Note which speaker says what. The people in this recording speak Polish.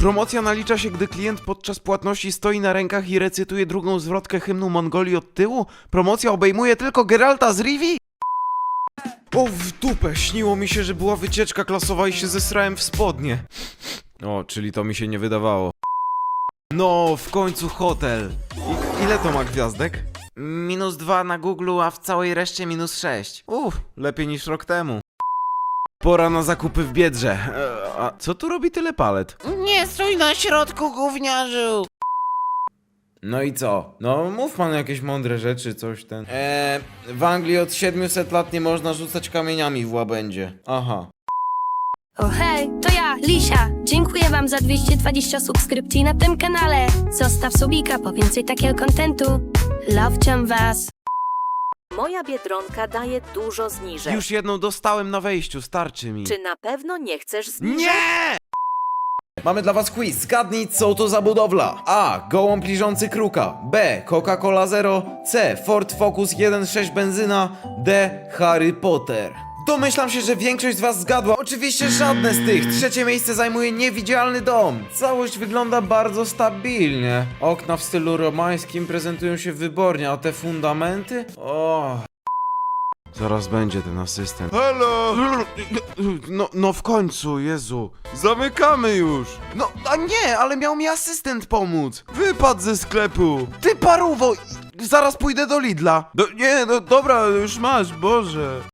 Speaker 1: Promocja nalicza się, gdy klient podczas płatności stoi na rękach i recytuje drugą zwrotkę hymnu Mongolii od tyłu? Promocja obejmuje tylko Geralta z Rivii? O, w dupę, śniło mi się, że była wycieczka klasowa i się zesrałem w spodnie. O, czyli to mi się nie wydawało. No, w końcu hotel. Ile to ma gwiazdek? -2 na Google, a w całej reszcie -6. Lepiej niż rok temu. Pora na zakupy w Biedrze. A co tu robi tyle palet?
Speaker 2: Nie stój na środku, gówniarzu!
Speaker 1: No i co? No mów pan jakieś mądre rzeczy, coś ten... w Anglii od 700 lat nie można rzucać kamieniami w łabędzie. Aha.
Speaker 3: O hej, to ja, Lisia. Dziękuję wam za 220 subskrypcji na tym kanale. Zostaw subika po więcej takiego kontentu. Love was.
Speaker 4: Moja Biedronka daje dużo zniżek.
Speaker 1: Już jedną dostałem na wejściu, starczy mi.
Speaker 4: Czy na pewno nie chcesz zniżek?
Speaker 1: Nie! Mamy dla was quiz. Zgadnij, co to za budowla. A. Gołąb liżący kruka. B. Coca-Cola Zero. C. Ford Focus 1.6 benzyna. D. Harry Potter. Domyślam się, że większość z was zgadła. Oczywiście żadne z tych. Trzecie miejsce zajmuje niewidzialny dom. Całość wygląda bardzo stabilnie. Okna w stylu romańskim prezentują się wybornie, a te fundamenty? O. Zaraz będzie ten asystent. Halo! No w końcu, Jezu. Zamykamy już. No, a nie, ale miał mi asystent pomóc. Wypadł ze sklepu. Ty paruwo, zaraz pójdę do Lidla. Nie, no dobra, już masz, Boże.